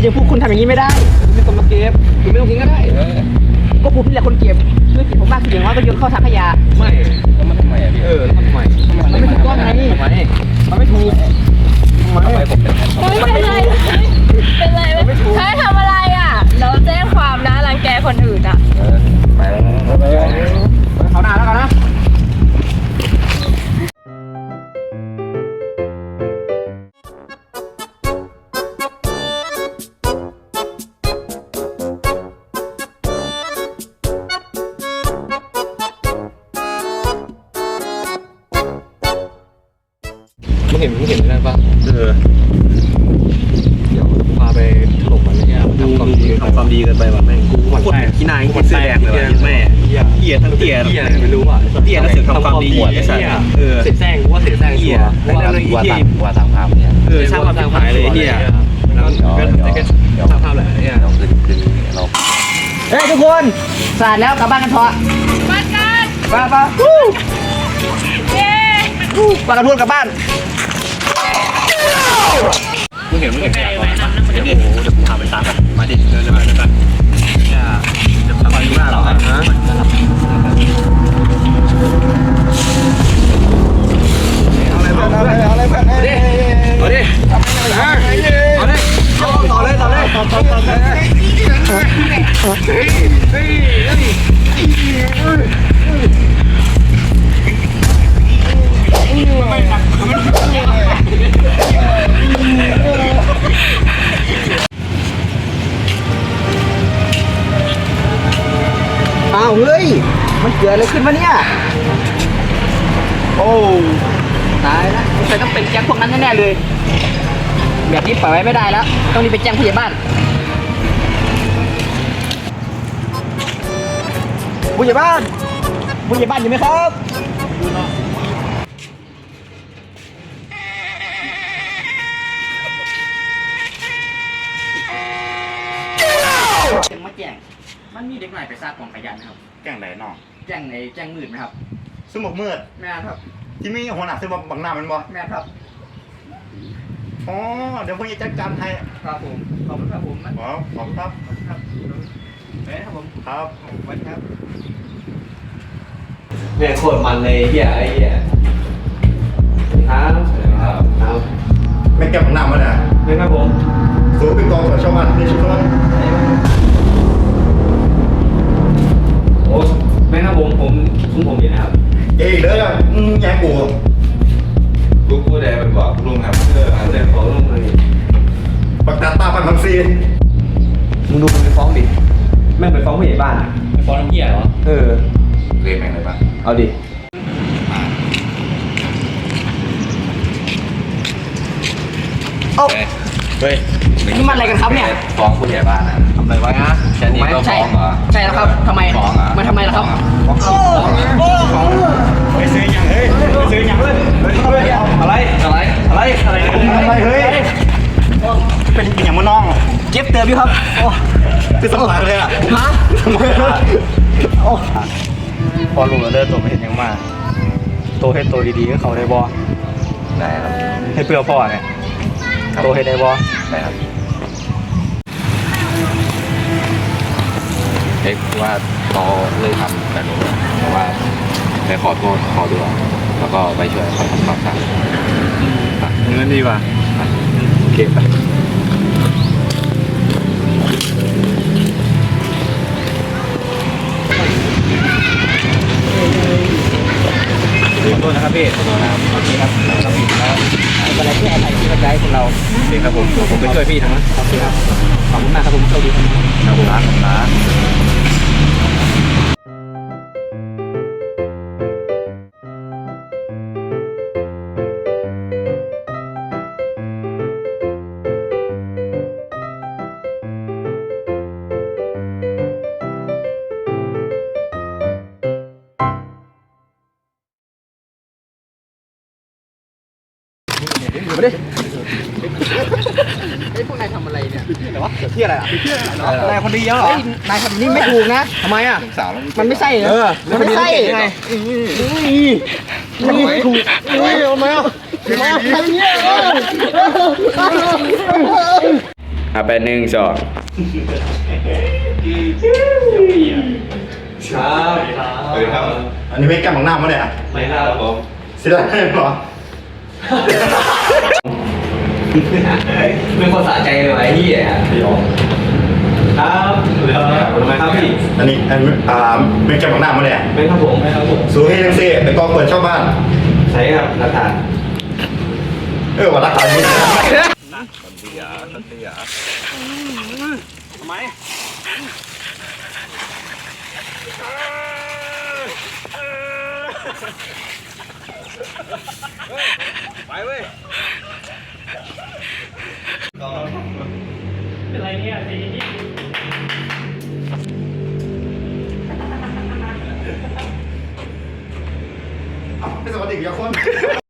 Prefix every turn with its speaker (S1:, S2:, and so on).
S1: จะพูดคุณทำอย่างนี้ไม่ได้คุณเป็นคนมาเก็บคุณไม่ต้องทิ้งก็ได้ก็ผมนี่แหละคนเก็บช่วยเก็บผมมากคืออย่างว่าก็โยนเข้าถังขยะไม่แล้วมันทำไมอ่ะพี่แล้วทำไมมันไม่ถูกต้องไงทำไมมันไม่ถูกทำไมผมเป็นไร
S2: เป็นไรเฮ้ยทำอะไรอ่ะเราแจ้งความนะรังแกคนอื่นอ่ะ
S1: ไปเขาหน้าแล้วกันนะไม่เห็นนั่นป่ะเดี๋ยวพาไปถล่มมันเลยเนี่ยทำความดีกันไปว่ะแม่งกูโคตรขี้นายเสื้อแดงเลยแม่เหี้ยทั้งเตี้ยไม่รู้อ่ะเตี้ยแล้วเสือกทำความดีไอ้สัตว์เสร็จแซงกูว่าเสร็จแซงเหี้ยว่าสร้างภาพเนี่ยสร้างภาพหายเลยเหี้ยก็สร้างภาพแหละเนี่ยเฮ้ยทุกคนสาดแล้วกลับบ้านกันเถอะ
S2: บ้านกัน
S1: ไป
S2: เย้
S1: ปากกระทุนกลับบ้านมึงเห็นเดี๋ยวกูพาไปซ้ำกันมาดิเดินไปจะทำอะไรอยู่หน้าเราฮะเอาอะไรเพื่อนเอาดิต่อเลยไม่หนักอ้าวเฮ้ยมันเกิดอะไรขึ้นวะเนี่ยโอ้ตายแล้วสงสัยต้องเป็นแก๊งพวกนั้นแน่ๆเลยแบบนี้ปล่อยไว้ไม่ได้แล้วต้องรีบไปแจ้งผู้ใหญ่บ้านอยู่ไหมครับมาแจ้งมันมีเด็กหน่อยไปซากกองขยะนะครับ
S3: แจ้งไหนน้อง
S1: แจ้งมืดไหมครับ
S3: สมองมืด
S1: แม่ครับ
S3: ที่มีหัวหน้าซึ่งบังหน้ามันบ่
S1: แม่ครับ
S3: อ๋อเดี๋ยวพวกนี้จัดการให้
S1: ครับผมขอบคุณครับผม
S3: ขอบคุณครับ
S1: เฮ้ยครับผม
S3: ครับ
S1: สวัสดีครับเนี่ยโคตรมันเลยเหี้ยไอ้เหี้ยครับ
S3: ไม่แก้บังหน้ามันอ่ะ
S1: ไม่ครับผม
S3: สูงเป็นกองของชาวบ้านในชุมชน
S1: โอ้ไม่ครับผมอยู่นะครับ
S3: เอ้ยเด้อแย่กู
S4: ได้เป็นบอกลุงครับ
S1: เดี๋ยวขอลงเลย
S3: ปักตาตาพันซี
S1: มึงดูมึงไปฟ้องดิแม่งไปฟ้องผู้ใหญ่บ้านไปฟ้องน้ำเหี้ยเหรอ
S4: เรียกแม่งเลยปะ
S1: เอาดิโอ้
S4: เฮ้ย
S1: นี่มันอะไรกันครับเนี่ย
S4: ฟ้องผู้ใหญ่บ้านนะทำอะไรวะแค่นี้ก็ฟ้องเหรอ
S1: ใช่แล้วครับทำไม
S4: ฟ้องอ่ะ
S1: มันทำไมล่ะครับ
S3: ไปซื้ออย่างเฮ้ยอะไรเฮ้ยเป็นอย่างมันน้อง
S1: เก็บเติมอยู่ครับ
S3: คือสมองเลยอ่ะ
S1: ฮะ
S3: พอลุงเลิกตัวไม่เห็นยังมากโตให้โตดีๆก็เขาได้บอ
S4: ได้ครับ
S3: ให้เปลือกพ่อเนี่ยโตให้ได้บอ
S4: ได้ครับเอ๊ะว่าเราเลยทำแบบนี้เพราะว่าไปขอโทษขอดูแล้วก็ไปช่วยเขาทำความสะอาด
S3: เงินดีกว่า
S4: โอเคไป
S3: ขอโทษนะครับพี่ขอโทษนะครับโอเคครับเราผิดแล้ว
S1: อะไรที่อะไรที่กระจายคนเรา
S3: โอเคครับผมไปช่วยพี่ทั้งนั้น
S1: โอเคครับขอบคุณมากครับผมโชคดีครับ
S3: ครับ
S1: มาดิไอ้พวกนายทำอะไรเนี่ยอะไรวะเที่ยอะไรอ่ะ
S3: นายคนดีเยอะเหร
S1: อนายทำนี่ไม่ถูกนะทำไมอ่ะมันไม่ใช่เหรอมันไม่ใช่ไงมันไม่ถูกทำไมอ่ะทำไมเนี่ย
S3: ไป1 2
S1: ครับ
S5: อันนี้ไม่แก้มของหน้ามั้งเนี่ย
S1: ไม่ครับผม
S5: เสียดายเหรอ
S1: เป็นคนสะใจเลยวะไอ้เหี้ยครับทำไมครับพี่
S5: อันนี้ไม่แก้มของหน้ามั้งเนี่ย
S1: ไม่ครับผมไม่ครับผม
S5: สูงให้ทั้งสี่ไปกองเปิดเช่าบ้าน
S1: ใช่ครับหลักฐาน
S5: ว่ารักษานี้
S3: ทำไมไปเว้ย
S2: เป็นไรเนี่ยสี
S5: ไม่สวัสดีกับคน